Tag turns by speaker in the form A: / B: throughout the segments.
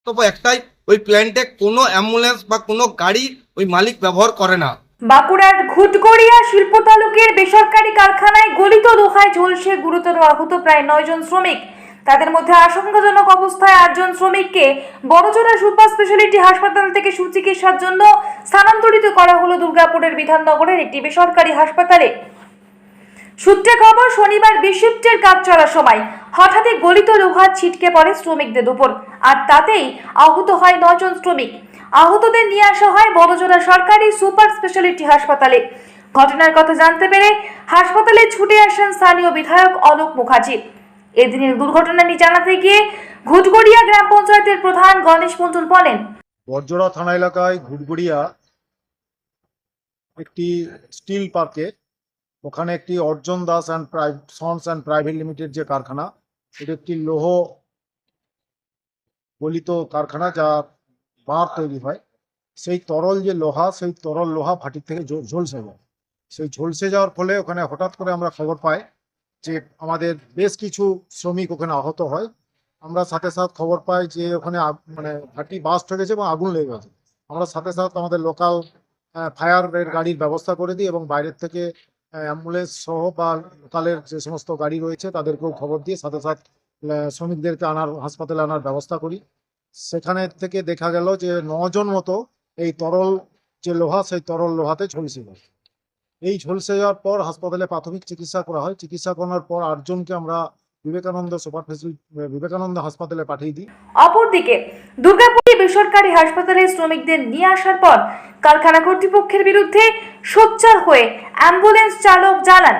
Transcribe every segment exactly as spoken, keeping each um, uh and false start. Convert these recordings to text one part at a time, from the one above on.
A: বক্তব্য একটাই, ওই প্ল্যান্টে কোনো অ্যাম্বুলেন্স বা কোনো গাড়ি ওই মালিক ব্যবহার করে না।
B: বাঁকুড়ার ঘুটগড়িয়া শিল্প তালুকের বেসরকারি কারখানায় গলিত লোহায় ঝলসে গুরুতর আহত প্রায় নয় জন শ্রমিক। তাদের মধ্যে আশঙ্কাজনক অবস্থায় আটজন শ্রমিককে বড়জোড়া সুপার স্পেশালিটি হাসপাতাল থেকে সুচিকিৎসার জন্য স্থানান্তরিত করা হলো দুর্গাপুরের বিধাননগরের একটি বেসরকারি হাসপাতালে। সূত্রে খবর, শনিবার বিশিফটের কাজ চলার সময় হঠাৎই গলিত লোহা ছিটকে পড়ে শ্রমিকদের উপর, আর তাতেই আহত হয় নজন শ্রমিক। আহতদের নিয়ে আসা হয় বড়জোড়া সরকারি সুপার স্পেশালিটি হাসপাতালে। ঘটনার কথা জানতে পেরে হাসপাতালে ছুটে আসেন স্থানীয় বিধায়ক অলোক মুখার্জি। এদিনের ঘটনা নিয়ে জানাতে গিয়ে ঘুটগড়িয়া গ্রাম পঞ্চায়েতের প্রধান গণেশ মণ্ডল বলেন,
C: বড়জোড়া থানা এলাকায় ঘুটগড়িয়া একটি স্টিল পার্কে, ওখানে একটি Arjun Das and sons and private limited যে কারখানা, এটা একটি লৌহ গলিত কারখানা যা বার তৈরি হয়। সেই তরল যে লোহা, সেই তরল লোহা ভাটির থেকে ঝলসে যায়। সেই ঝলসে যাওয়ার ফলে ওখানে হঠাৎ করে আমরা খবর পাই যে আমাদের বেশ কিছু শ্রমিক ওখানে আহত হয়। আমরা সাথে সাথে খবর পাই যে ওখানে মানে ভাটি বাস্ট হয়ে গেছে এবং আগুন লেগে গেছে। আমরা সাথে সাথে আমাদের লোকাল ফায়ারের গাড়ির ব্যবস্থা করে দিই এবং বাইরের থেকে অ্যাম্বুলেন্স সহ বা লোকালের যে সমস্ত গাড়ি রয়েছে তাদেরকেও খবর দিয়ে সাথে সাথে শ্রমিকদেরকে আনার হাসপাতালে আনার ব্যবস্থা করি। সেখানে থেকে দেখা গেল যে নজন মতো এই তরল যে লোহা, সেই তরল লোহাতে ঝলসে যায়। এই ঝলসে যাওয়ার পর হাসপাতালে প্রাথমিক চিকিৎসা করা হয়। চিকিৎসা করার পর আটজনকে আমরা বিবেকানন্দ সুপার ফেসিলিটি বিবেকানন্দ হাসপাতালে পাঠিয়ে দিই।
B: অপরদিকে দুর্গাপুরে বেসরকারি হাসপাতালে শ্রমিকদের নিয়ে আসার পর কারখানা কর্তৃপক্ষের বিরুদ্ধে সোচ্চার হয়ে অ্যাম্বুলেন্স চালক জানান,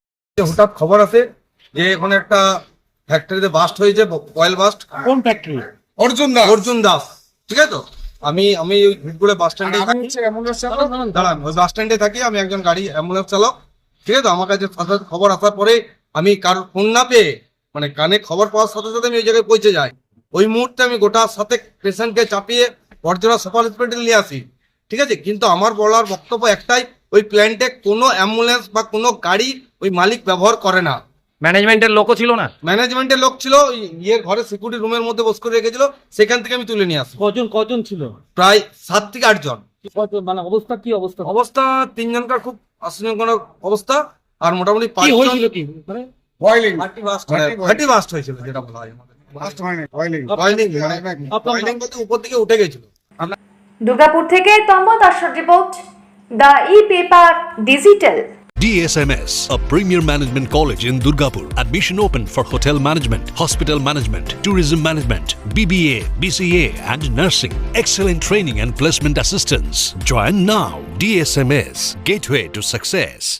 A: হঠাৎ খবর আছে যে এখানে একটা ফ্যাক্টরিতে বাস্ট হয়েছে, অয়েল বাস্ট।
D: কোন ফ্যাক্টরি?
A: অর্জুন দাস। অর্জুন দাস, ঠিক আছে তো। আমি আমি ওই ভিটগুলো বাস স্ট্যান্ডে থাকি, দাঁড়ান, ওই বাস স্ট্যান্ডে থাকি। আমি একজন গাড়ি অ্যাম্বুলেন্স চালক, ঠিক আছে তো। আমার কাছে খবর আসার পরে আমি কারোর ফোন না পেয়ে, মানে কানে খবর পাওয়ার সাথে সাথে আমি ওই জায়গায় পৌঁছে যাই। ওই মুহূর্তে আমি গোটা সাথে পেশেন্টকে চাপিয়ে বড়জোড়া সুপার হসপিটাল নিয়ে আসি, ঠিক আছে। কিন্তু আমার বলার বক্তব্য একটাই, ওই প্ল্যান্টে কোনো অ্যাম্বুলেন্স বা কোনো গাড়ি ওই মালিক ব্যবহার করে না।
D: ম্যানেজমেন্টের লোকও ছিল না?
A: ম্যানেজমেন্টের লোক ছিল, ইয়ে ঘরে সিকিউরিটি রুমের মধ্যে বস করে রেখেছিল, সেখান থেকে আমি তুলে নিয়ে আসি।
D: কজন কজন ছিল?
A: প্রায় সাত থেকে আট জন।
D: মানে অবস্থা কি অবস্থা?
A: অবস্থা তিনজনকার খুব আশঙ্কাজনক অবস্থা, আর মোটামুটি
D: কি
A: পাঁচজন
D: হয়েছিল কি মানে
A: বয়লিং ফাটি বাস্ট হয়েছিল, যেটা বলা হয় আমাদের বাস্ট হয়নি, বয়লিং বয়লিং বয়লিং বলতে উপর দিকে উঠে গেছিল।
B: দুর্গাপুর থেকে তম্ব দাসের report, the E paper digital.
E: D S M S, a premier management college in Durgapur. Admission open for hotel management, hospital management, tourism management, B B A, B C A and nursing. Excellent training and placement assistance. Join now. D S M S, gateway to success.